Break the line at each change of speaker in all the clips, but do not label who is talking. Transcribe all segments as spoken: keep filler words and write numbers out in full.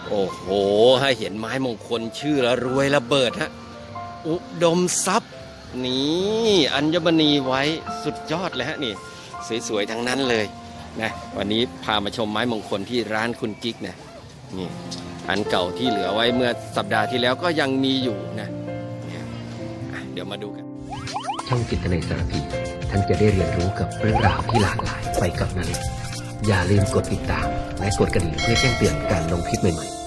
โอ้โหให้เห็นไม้มงคลชื่อละรวยระเบิดฮะอุดมทรัพย์นี่อัญมณีไว้สุดยอดเลยฮะนี่สวยๆทั้งนั้นเลยนะวันนี้พามาชมไม้มงคลที่ร้านคุณกิ๊กนะนี่อันเก่าที่เหลือไว้เมื่อสัปดาห์ที่แล้วก็ยังมีอยู่นะเดี๋ยวมาดูกัน
ช่องจิตนาสารพีท่านจะได้เรียนรู้กับเรื่องราวที่หลากหลายไปกับนาเล็กอย่าลืมกดติดตามและกดกระดิ่งเพื่อแจ้งเตือนการลงคลิปใหม่ๆ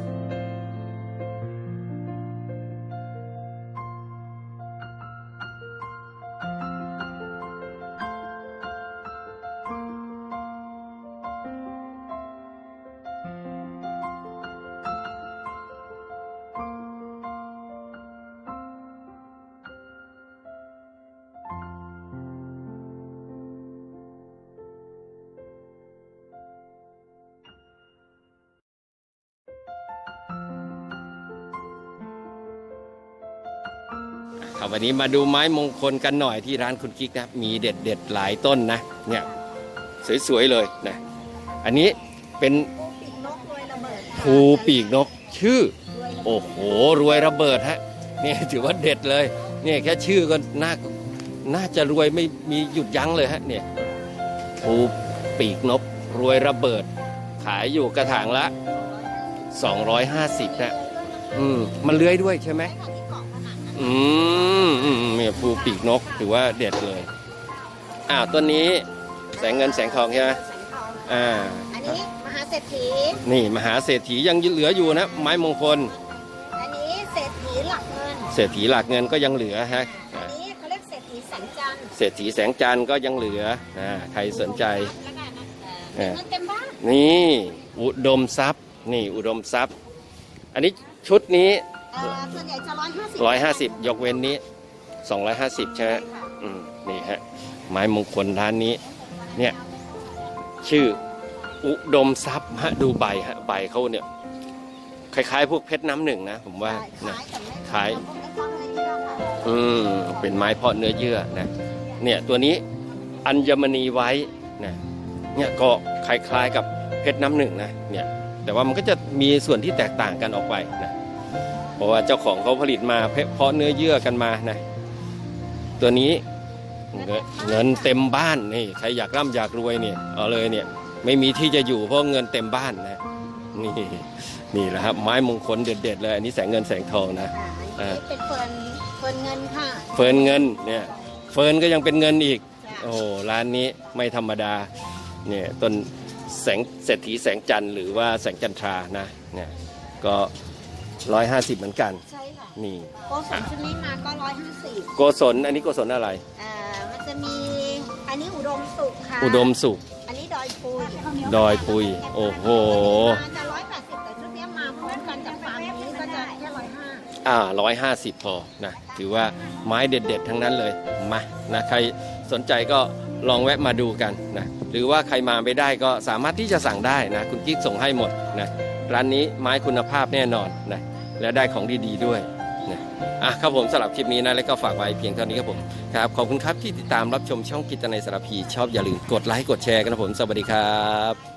วันนี้มาดูไม้มงคลกันหน่อยที่ร้านคุณกิ๊กนะมีเด็ดเด็ดหลายต้นนะเนี่ยสวยๆเลยนะอันนี้เป็นภูปีกนกชื่อโอ้โหรวยระเบิดฮะนี่ถือว่าเด็ดเลยเนี่ยแค่ชื่อก็น่าน่าจะรวยไม่มีหยุดยั้งเลยฮะเนี่ยภูปีกนกรวยระเบิดขายอยู่กระถางละสองร้อยห้าสิบนะอืมมันเลื้อยด้วยใช่ไหมอืมอืมเนี่ยภูปีกนกถือว่าเด็ดเลยอ้าวต้นนี้แสงเงินแสงทองใช่ไหมอ่า
อันนี้มหาเศรษฐี
นี่มหาเศรษฐียังเหลืออยู่นะไม้มงคล
อันนี้เศรษฐีหลักเงิน
เศรษฐีหลักเงินก็ยังเหลือฮะ
อันนี้เขาเรียกเศรษฐีแสงจันทร์
เศรษฐีแสงจันทร์ก็ยังเหลืออ่าใครสนใจ
เงินเต็มบ้าน
นี่อุดมทรัพย์นี่อุดมทรัพย์อันนี้ชุดนี้
ส่วนใหญ่จะร้อยห้าสิบ
ร้อยห้าสิบยกเว้นนี้สองร้อยห้าสิบใช่ไหมอืมนี่ฮะไม้มงคลร้านนี้เนี่ยชื่ออุดมทรัพย์ฮะดูใบฮะใบเขาเนี่ยคล้ายๆพวกเพชรน้ำหนึ่งนะผมว่านะคล้ายอืมเป็นไม้เพาะเนื้อเยื่อนะเนี่ยตัวนี้อัญมณีไว้นะเนี่ยก็คล้ายๆกับเพชรน้ำหนึ่งนะเนี่ยแต่ว่ามันก็จะมีส่วนที่แตกต่างกันออกไปนะเพราะว่าเจ้าของเขาผลิตมาเพาะเนื้อเยื่อกันมานะตัวนี้เงินเต็มบ้านนี่ใครอยากร่ำอยากรวยเนี่ยเอาเลยเนี่ยไม่มีที่จะอยู่เพราะเงินเต็มบ้านนะนี่นี่แหละครับไม้มงคลเด็ดๆเลยอันนี้แสงเงินแสงทองนะ
อ่าเป็นเฟิร์นเฟิร์นเงินค่ะ
เฟิร์นเงินเนี่ยเฟิร์นก็ยังเป็นเงินอีกโอ้ร้านนี้ไม่ธรรมดาเนี่ยต้นแสงเศรษฐีแสงจันทร์หรือว่าแสงจันทรานะเนี่ยก็ร้อยห้าสิบเหมือนกัน
ใช่ค่ะ
นี่
โกศลชุดนี้มาก็ร้อยห้าสิบ
โกศลอันนี้โกศลอะไร
อ่ามันจะมีอันนี้อุดมสุขค่ะ
อุดมสุข
อันนี้ดอยปุย
ดอยปุยโอ้โห
จะร้อยแปดสิบแต่ชุดนี้มาพร้อมกันจากฟาร์มนี้ก็จะแค่ร้อยห้า
อ่าร้อยห้าสิบพอนะถือว่าไม้เด็ดๆทั้งนั้นเลยมานะใครสนใจก็ลองแวะมาดูกันนะหรือว่าใครมาไม่ได้ก็สามารถที่จะสั่งได้นะคุณกิ๊กส่งให้หมดนะร้านนี้ไม้คุณภาพแน่นอนนะและได้ของดีๆด้วยนะอ่ะครับผมสำหรับคลิปนี้นะแล้วก็ฝากไว้เพียงเท่านี้ครับผมครับขอบคุณครับที่ติดตามรับชมช่องกิจในสารพีชอบอย่าลืมกดไลค์กดแชร์กันนะผมสวัสดีครับ